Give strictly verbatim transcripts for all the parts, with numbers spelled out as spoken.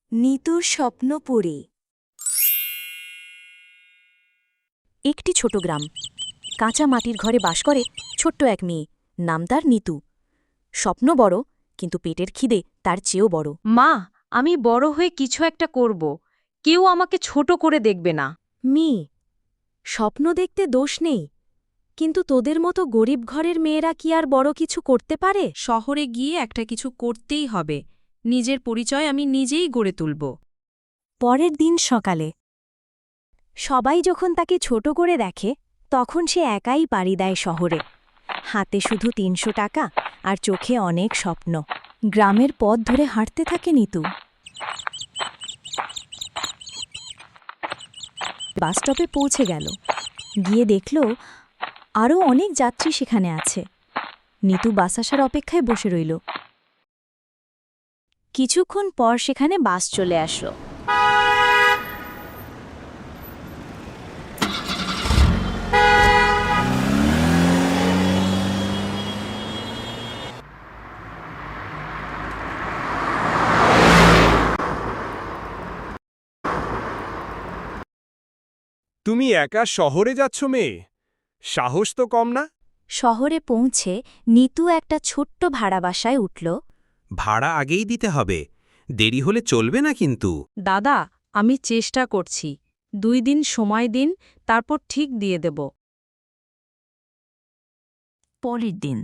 নিতুর স্বপ্নপুরী। একটি ছোট গ্রাম, কাঁচা মাটির ঘরে বাস করে ছোট্ট এক মেয়ে, নাম তার নিতু। স্বপ্ন বড়, কিন্তু পেটের খিদে তার চেয়েও বড়। মা, আমি বড় হয়ে কিছু একটা করব। কেউ আমাকে ছোট করে দেখবে না। মেয়ে, স্বপ্ন দেখতে দোষ নেই, কিন্তু তোদের মতো গরিব ঘরের মেয়েরা কি আর বড় কিছু করতে পারে? শহরে গিয়ে একটা কিছু করতেই হবে। নিজের পরিচয় আমি নিজেই গড়ে তুলব। পরের দিন সকালে সবাই যখন তাকে ছোট করে দেখে, তখন সে একাই পাড়ি দেয় শহরে। হাতে শুধু তিনশো টাকা আর চোখে অনেক স্বপ্ন। গ্রামের পথ ধরে হাঁটতে থাকে নিতু। বাসস্টপে পৌঁছে গেল, গিয়ে দেখল আরও অনেক যাত্রী সেখানে আছে। নিতু বাস আসার অপেক্ষায় বসে রইল। কিছুক্ষণ পর সেখানে বাস চলে আসলো। তুমি একা শহরে যাচ্ছ মেয়ে? সাহস তো কম না। শহরে পৌঁছে নিতু একটা ছোট্ট ভাড়া বাসায় উঠল। ভাড়া আগেই দিতে হবে, দেরি হলে চলবে না কিন্তু। দাদা, আমি চেষ্টা করছি। দুই দিন সময় দিন, তারপর ঠিক দিয়ে দেব। পরের দিন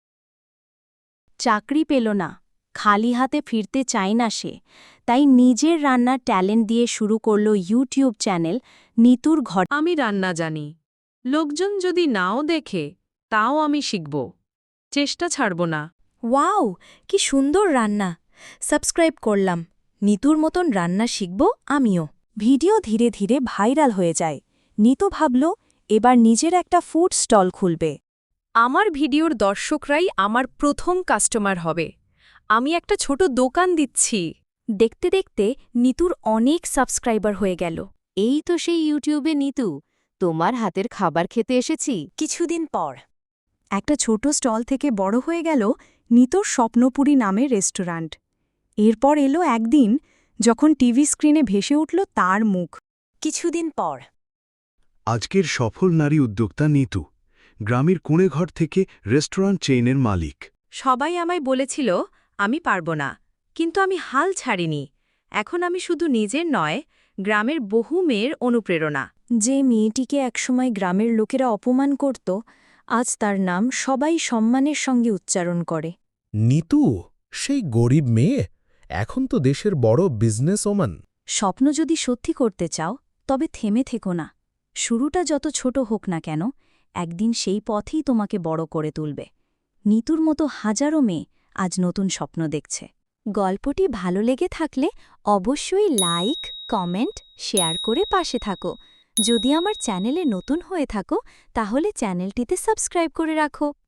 চাকরি পেল না, খালি হাতে ফিরতে চায় না সে, তাই নিজের রান্নার ট্যালেন্ট দিয়ে শুরু করল ইউটিউব চ্যানেল নিতুর ঘর। আমি রান্না জানি। লোকজন যদি নাও দেখে, তাও আমি শিখব। চেষ্টা ছাড়ব না। ওয়াও, কি সুন্দর রান্না! সাবস্ক্রাইব করলাম। নিতুর মতন রান্না শিখব আমিও। ভিডিও ধীরে ধীরে ভাইরাল হয়ে যায়। নিতু ভাবল এবার নিজের একটা ফুড স্টল খুলবে। আমার ভিডিওর দর্শকরাই আমার প্রথম কাস্টমার হবে। আমি একটা ছোট দোকান দিচ্ছি। দেখতে দেখতে নিতুর অনেক সাবস্ক্রাইবার হয়ে গেল। এই তো সেই ইউটিউবে নিতু, তোমার হাতের খাবার খেতে এসেছি। কিছুদিন পর একটা ছোট স্টল থেকে বড় হয়ে গেল নিতুর স্বপ্নপুরী নামের রেস্টুরেন্ট। এরপর এলো একদিন যখন টিভি স্ক্রিনে ভেসে উঠল তার মুখ। কিছুদিন পর আজকের সফল নারী উদ্যোক্তা নিতু, গ্রামের কোণেঘর থেকে রেস্টুরেন্ট চেইনের মালিক। সবাই আমায় বলেছিল আমি পারব না, কিন্তু আমি হাল ছাড়িনি। এখন আমি শুধু নিজের নয়, গ্রামের বহু মেয়ের অনুপ্রেরণা। যে মেয়েটিকে একসময় গ্রামের লোকেরা অপমান করত, আজ তার নাম সবাই সম্মানের সঙ্গে উচ্চারণ করে। নিতু, সেই গরিব মেয়ে, এখন তো দেশের বড় বিজনেস ওম্যান। স্বপ্ন যদি সত্যি করতে চাও, তবে থেমে থেকো না। শুরুটা যত ছোট হোক না কেন, একদিন সেই পথেই তোমাকে বড় করে তুলবে। নিতুর মতো হাজারো মেয়ে আজ নতুন স্বপ্ন দেখছে। গল্পটি ভালো লেগে থাকলে অবশ্যই লাইক, কমেন্ট, শেয়ার করে পাশে থাকো। যদি আমার চ্যানেলে নতুন হয়ে থাকো, তাহলে চ্যানেলটিতে সাবস্ক্রাইব করে রাখো।